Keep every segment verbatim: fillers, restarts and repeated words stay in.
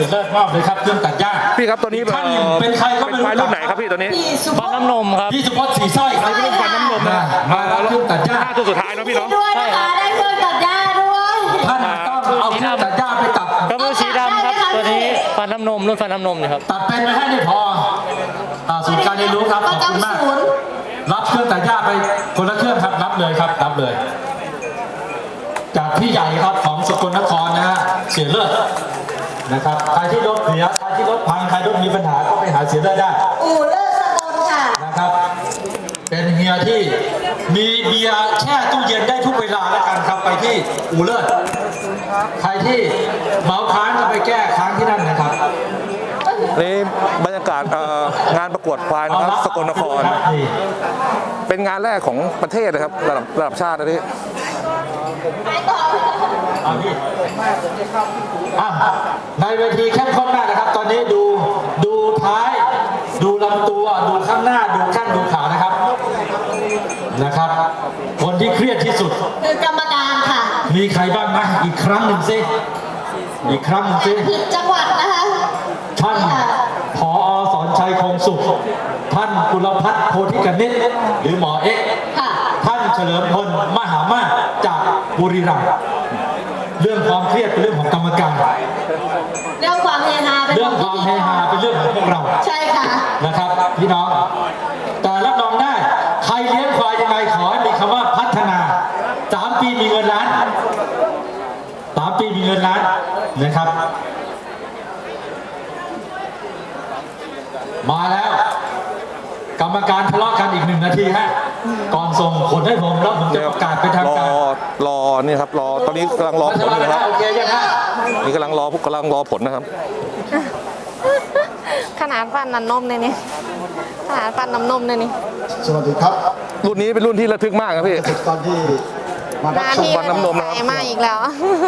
เลิศมอบเลยครับเครื่องตัดหญ้าพี่ครับตัวนี้ท่านเป็นใครก็ไม่รู้รุ่นไหนครับพี่ตัวนี้ฟันน้ำนมครับพี่สุพจน์สีสร้อยครับรุ่นฟันน้ำนมนะมาแล้วเครื่องตัดหญ้าตัวสุดท้ายนะพี่เนาะด้วยนะคะได้เครื่องตัดหญ้าด้วยท่านต้องเอาเครื่องตัดหญ้าไปตัดกระเบื้องสีดำครับตัวนี้ฟันน้ำนมรุ่นฟันน้ำนมนี่ครับตัดเป็นไปให้ได้พอศูนย์การเรียนรู้ครับขอบคุณมากรับเครื่องตัดหญ้าไปคนละเครื่องครับรับเลยครับรับเลยจากพี่ใหญ่ครับของสกลนครนะฮะเสียเลือดนะครับใครที่รถเสียใครที่รถพังใครรถมีปัญหาก็ไปหาเสียเลือดได้อู่เลิศสกลค่ะนะครับเป็นเฮียที่มีเบียร์แช่ตู้เย็นได้ทุกเวลาแล้วกันครับไปที่อู่เลิศใครที่เมาค้างก็ไปแก้ค้างที่นั่นนะครับนี่บรรยากาศงานประกวดควายนะครับสกลนครเป็นงานแรกของประเทศนะครับระดับระดับชาตินะที่ในเวทีเข้มข้นมากนะครับตอนนี้ดูดูท้ายดูลำตัวดูข้างหน้าดูข้างดูขานะครับนะครับคนที่เครียดที่สุดคือกรรมการค่ะมีใครบ้างนะอีกครั้งหนึ่งสิอีกครั้งหนึ่งสิผิดจังหวัดนะคะท่านผอ.สอนชัยคงสุขท่านกุลพัฒน์โพธิกนิษฐ์หรือหมอเอ็กท่านเฉลิมพลมหามาศจากบุรีรัมย์เรื่องความเครียดเป็นเรื่องของกรรมการเรื่องความเฮฮาเป็นเรื่องความเฮฮาเป็นเรื่องของพวกเราใช่ค่ะนะครับพี่น้องแต่รับรองได้ใครเลี้ยงควายยังไงขอให้มีคำว่าพัฒนาสามปีมีเงินล้านสามปีมีเงินล้านนะครับมาแล้วกรรมการทะเลาะกันอีกหนึ่งนาทีฮะก่อนส่งผลให้ผมแล้วผมจะประกาศเป็นทางการรอรอนี่ครับรอตอนนี้กำลังรอผลนะครับโอเคยังฮะนี่กำลังรอกำลังรอผลนะครับขนาดฟันน้ำนมเลยนี่ขนาดฟันน้ำนมเลยนี่สวัสดีครับรุ่นนี้เป็นรุ่นที่ระทึกมากครับพี่ตอนที่มารับชมฟันน้ำนมนะครับมาอีกแล้ว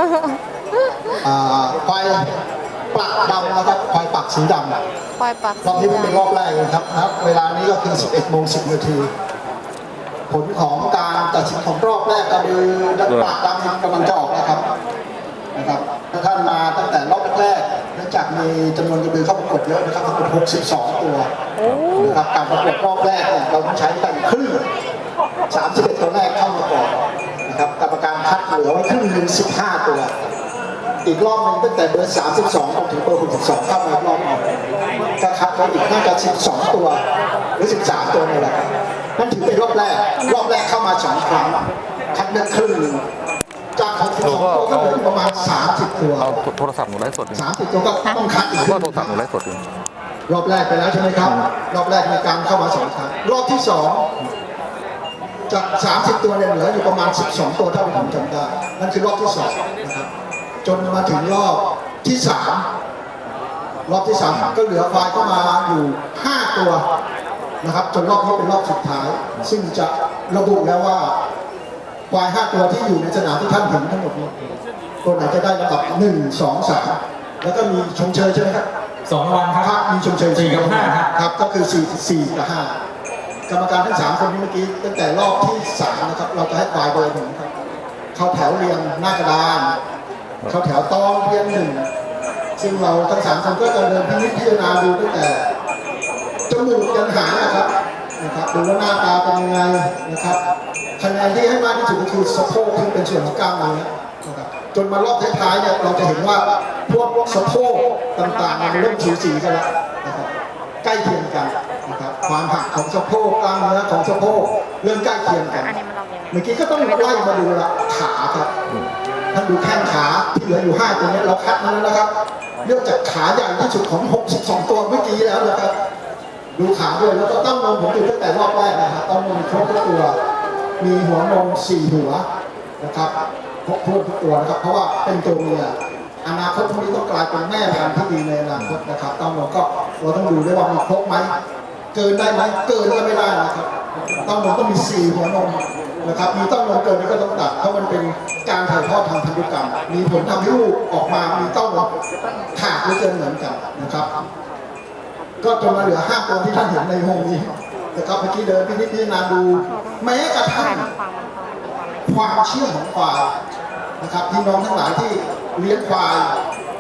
ควายปักดำนะครับควายปักสีดำควายปักรอบนี้เป็นรอบแรกนะครับนะครับเวลานี้ก็คือสิบเอ็ดโมงสิบนาทีผลของการตัดสินของรอบแรกก็คือปักดำกำลังจะออกนะครับนะครับท่านมาตั้งแต่รอบแรกเนื่องจากมีจำนวนกระบือเข้าประกวดเยอะนะครับประกวดหกสิบสองตัวนะครับการประกวดรอบแรกเนี่ยเราต้องใช้ตั้งครึ่งสามสิบเอ็ดตัวแรกเข้ามาก่อนนะครับกรรมการคัดเหลือไว้ครึ่งหนึ่งสิบห้าตัวอีกรอบหนึ่งตั้งแต่เบอร์สามสิบสองจนถึงเบอร์หกสิบสองเข้ามาอีกรอบหนึ่งก็คัดไว้อีกน่าจะสิบสองตัวหรือสิบสามตัวนี่แหละครับนั่นถือเป็นรอบแรกรอบแรกเข้ามาสองครั้งคัดเลือกครึ่งหนึ่งจากหกสิบสองตัวก็เหลือประมาณสามสิบตัวเอาโทรศัพท์หนูไลฟ์สดสามสิบตัวก็ต้องคัดอีกก็โทรศัพท์หนูไลฟ์สดรอบแรกไปแล้วใช่ไหมครับรอบแรกในการเข้ามาสองครั้งรอบที่สองจากสามสิบตัวเนี่ยเหลืออยู่ประมาณสิบสองตัวเท่าที่ผมจำได้นั่นคือรอบที่สองนะครับจนมาถึงรอบที่สามรอบที่สามก็เหลือควายเข้ามาอยู่ห้าตัวนะครับจนรอบนี้เป็นรอบสุดท้ายซึ่งจะระบุแล้วว่าควายห้าตัวที่อยู่ในสนามที่ท่านเห็นทั้งหมดนี้ตัวไหนจะได้ระดับหนึ่งสองสามแล้วก็มีชมเชยใช่ไหมครับสองวันครับมีชมเชยสี่กับห้าครับครับก็คือสี่สี่กับห้ากรรมการทั้งสามคนนี้เมื่อกี้ตั้งแต่รอบที่สามนะครับเราจะให้ควายเบอร์หนึ่งครับเข้าแถวเรียงหน้ากระดานเข้าแถวตองเรียงหนึ่งซึ่งเราทั้งสามคนก็จะเดินพิจารณาดูตั้งแต่จมูกยันหางนะครับนะครับดูว่าหน้าตาเป็นยังไงนะครับคะแนนที่ให้มากที่สุดก็คือสะโพกที่เป็นส่วนของกล้ามเนื้อนะครับจนมารอบท้ายๆเนี่ยเราจะเห็นว่าพวกสะโพกต่างๆมันเริ่มสูสีกันแล้วนะครับใกล้เคียงกันนะครับความหักของสะโพกกล้ามเนื้อของสะโพกเริ่มใกล้เคียงกันเมื่อกี้ก็ต้องไล่มาดูละขาครับท่านดูแข้งขาที่เหลืออยู่ห้าตัวนี้เราคัดมาแล้วนะครับเนื่องจากขาใหญ่ที่สุดของหกสิบสองตัวเมื่อกี้แล้วนะครับดูขาด้วยแล้วก็ต้องนมผมดูตั้งแต่รอบแรกนะครับต้องนมครบทุกตัวมีหัวนมสี่หัวนะครับครบทุกตัวนะครับเพราะว่าเป็นตัวเมียอนาคตพวกนี้ต้องกลายเป็นแม่พันธุ์ที่ดีในอนาคตนะครับต้องนมก็เราต้องดูด้วยว่ามีครบไหมเกินได้ไหมเกินก็ไม่ได้นะครับต้องนมต้องมีสี่หัวนมนะครับมีต้องนมเกินนี่ก็ต้องตัดเพราะมันเป็นการถ่ายทอดทางพันธุกรรมมีผลทำให้ลูกออกมามีต้องนมขาดหรือเกินเหมือนกันนะครับก็จนมาเหลือห้าตัวที่ท่านเห็นในห้องนี้นะครับเมื่อกี้เดินพินิจพิจารณาดูแม้กระทั่งความเชื่อของควายนะครับพี่น้องทั้งหลายที่เลี้ยงควาย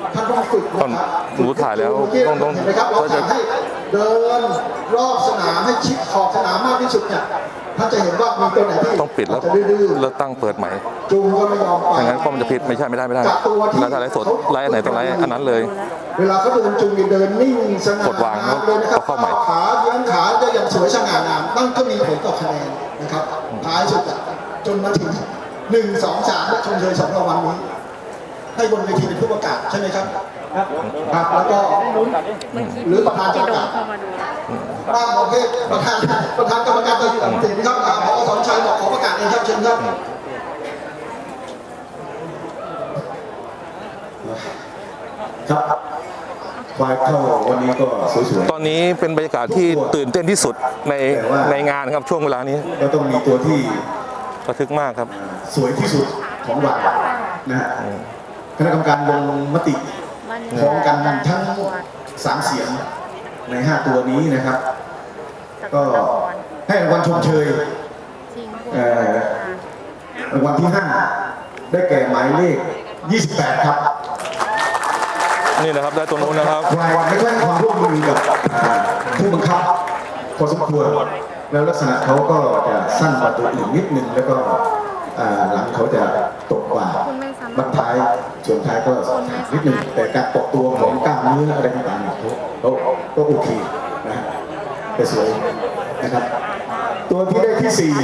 ท่านต้องฝึกนะครับหนูถ่ายแล้วต้องต้องเห็นไหมครับเราก็จะสั่งให้เดินรอบสนามให้ชิดขอบสนามมากที่สุดเนี่ยท่านจะเห็นว่ามีตัวไหนที่ต้องปิดแล้วจะดื้อแล้วตั้งเปิดใหม่ๆจูงก็ไม่ยอมไปถ้างั้นก็มันจะผิดไม่ใช่ไม่ได้ไม่ได้กับตัวที่แล้วถ้าไลฟ์สดไลฟ์อันไหนต้องไลฟ์อันนั้นเลยเวลาเขาเดินจูงเดินนิ่งสง่ากดวางงามเลยนะครับเอาเข้าใหม่ขาเยื้องขาจะยังสวยสง่างามนั่นก็มีผลต่อคะแนนนะครับท้ายสุดอะจนมาถึงหนึ่งสองสามและชมเชยสองรางวัลนี้ ให้บนเวทีเป็นผู้ประกาศใช่ไหมครับครับแล้วก็หรือประธานจะประกาศบ้างประเภทประธานประธานกรรมการตัดสินครับอ่าผอสอนชัยบอกขอประกาศเองครับเชิญครับครับควายเข้าวันนี้ก็สวยตอนนี้เป็นบรรยากาศที่ตื่นเต้นที่สุดในในงานครับช่วงเวลานี้ๆก็ต้องมีตัวที่ระทึกมากครับสวยที่สุดของวันนะฮะคณะกรรมการลงมติพร้อมกันทั้งสามเสียงในห้าตัวนี้นะครับ ก็ให้รางวัลชมเชยเอ่อรางวัลที่ห้าได้แก่หมายเลขยี่สิบแปดครับนี่นะครับได้ตรงนู้นนะครับควายไม่ค่อยให้ความร่วมมือกับอ่าผู้บังคับพอสมควรแล้วลักษณะเขาก็จะสั้นกว่าตัวอื่นนิดนึงแล้วก็อ่าหลังเขาจะตกกว่าบันท้ายส่วนท้ายก็นิดนึงแต่การปกตัวของกล้ามเนื้ออะไรต่างๆเนี่ยเขาเขาก็โอเคนะฮะแต่สวยนะครับ ตัวที่ได้ที่สี่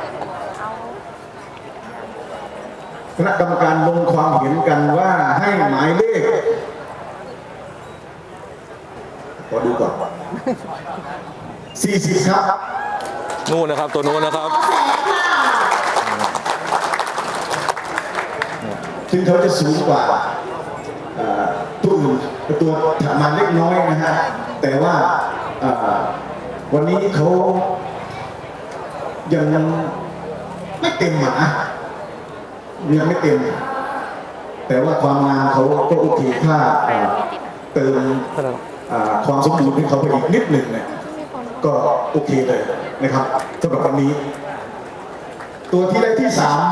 คณะกรรมการลงความเห็นกันว่าให้หมายเลข ขอดูก่อน สี่สิบ ครับนู่นนะครับตัวนู้นนะครับซึ่งเขาจะสูงกว่าเอ่อตัวอื่นตัวถัดมาเล็กน้อยนะฮะ แต่ว่าเอ่อวันนี้เขายังไม่เต็มหมายังไม่เต็ม แต่ว่าความงามเขาก็โอเคถ้าเอ่อเติม อ่าความสมบูรณ์ให้เขาไปอีกนิดหนึ่งเนี่ยก็โอเคเลยนะครับสำหรับวันนี้ ตัวที่ได้ที่สาม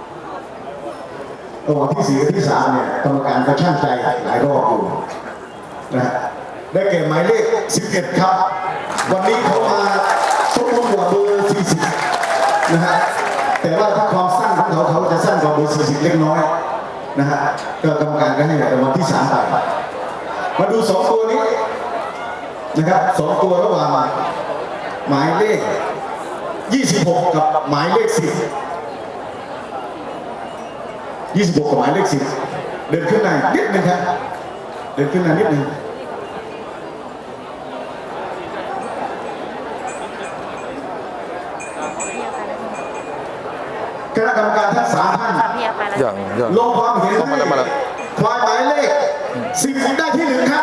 ระหว่างที่สี่กับที่สามเนี่ยกรรมการก็ช่างใจหลายรอบอยู่นะฮะได้แก่หมายเลขสิบเอ็ดครับ วันนี้เขามาสมบูรณ์กว่าเบอร์สี่สิบนะฮะแต่ว่าถ้าความสั้นของเขาเขาจะสั้นกว่าเบอร์สี่สิบเล็กน้อยนะฮะก็กรรมการก็ให้รางวัลที่สามไป มาดูสองตัวนี้นะครับสองตัวระหว่างหมายเลขยี่สิบหกกับหมายเลขสิบ ยี่สิบหกกับหมายเลขสิบเดินขึ้นหน้านิดนึงครับเดินขึ้นหน้านิดนึงคณะกรรมการทั้งสามท่านอย่างอย่างลงความเห็นเข้ามาให้แล้วมาแล้วควายหมายเลขสิบได้ที่หนึ่งครับ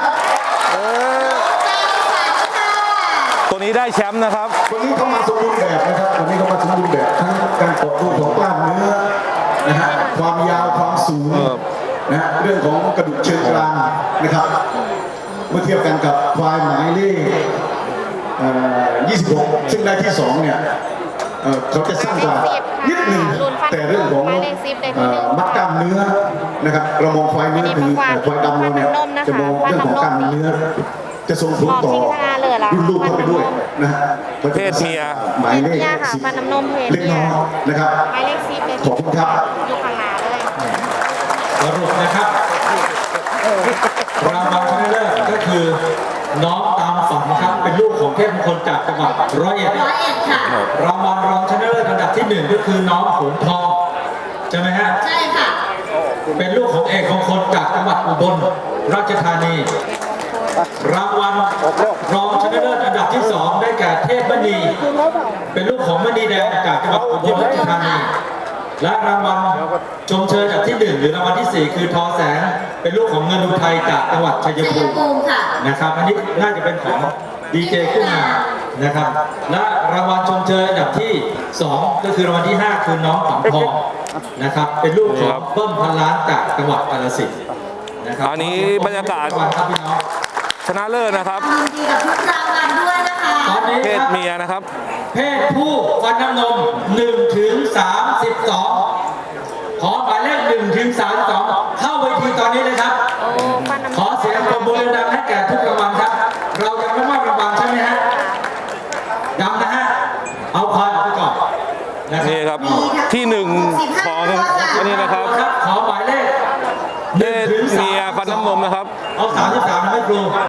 ตัวนี้ได้แชมป์นะครับวันนี้เขามาสมบูรณ์แบบนะครับวันนี้เขามาสมบูรณ์แบบทั้งการต่อตัวของกล้ามเนื้อนะฮะความยาวความสูงเออนะฮะเรื่องของกระดูกเชิงกรานนะครับ เมื่อเทียบกันกับควายหมายเลขเอ่อยี่สิบหกซึ่งได้ที่สองเนี่ยเอ่อเขาจะสั้นกว่านิดหนึ่งแต่เรื่องของเอ่อมัดกล้ามเนื้อนะครับเรามองควายเนื้อคือเอ่อควายดำเราเนี่ยจะมองเรื่องของกล้ามเนื้อ จะส่งผลต่อรุ่นลูกเข้าไปด้วยนะฮะเพศเมียหมายเลขเนี่ยค่ะสิบฟันน้ำนมเพศเล็กน้อยนะครับหมายเลขสิบเลยขอบคุณครับอยู่ข้างหน้าเลยสรุปนะครับรางวัลชนะเลิศก็คือน้องตามฝันครับเป็นลูกของเทพมงคลจากจังหวัดร้อยเอ็ดร้อยเอ็ดค่ะรางวัลรองชนะเลิศอันดับที่หนึ่งก็คือน้องหงทองใช่ไหมฮะใช่ค่ะเป็นลูกของเอกมงคลจากจังหวัดอุบลราชธานี รางวัลรองชนะเลิศอันดับที่สองได้แก่เทพมณี เป็นลูกของมณีแดงจากจังหวัดอุบลราชธานี และรางวัลชมเชยอันดับที่หนึ่งหรือรางวัลที่สี่คือทอแสง เป็นลูกของเงินอุทัยจากจังหวัดชัยชัยภูมิภูมิค่ะนะครับ อันนี้น่าจะเป็นของดีเจขึ้นมานะครับ และรางวัลชมเชยอันดับที่สองก็คือรางวัลที่ห้าคือน้องฝังทองนะครับ เป็นลูกของเบิ้มพันล้านจากจังหวัดกาฬสินธุ์นะครับอันนี้บรรยากาศครับพี่น้องชนะเลิศนะครับยินดีกับทุกรางวัลด้วยนะคะตอนนี้เพศครับเมียนะครับเพศผู้ฟันน้ำนมหนึ่งถึงสามสิบสองขอหมายเลขหนึ่งถึงสามสิบสองเข้าเวทีตอนนี้เลยครับโอ้ฟันของอันนี้นะครับครับขอหมายเลขเพศเมียฟันน้ำนมนะครับเอาสามสิบสามให้ครู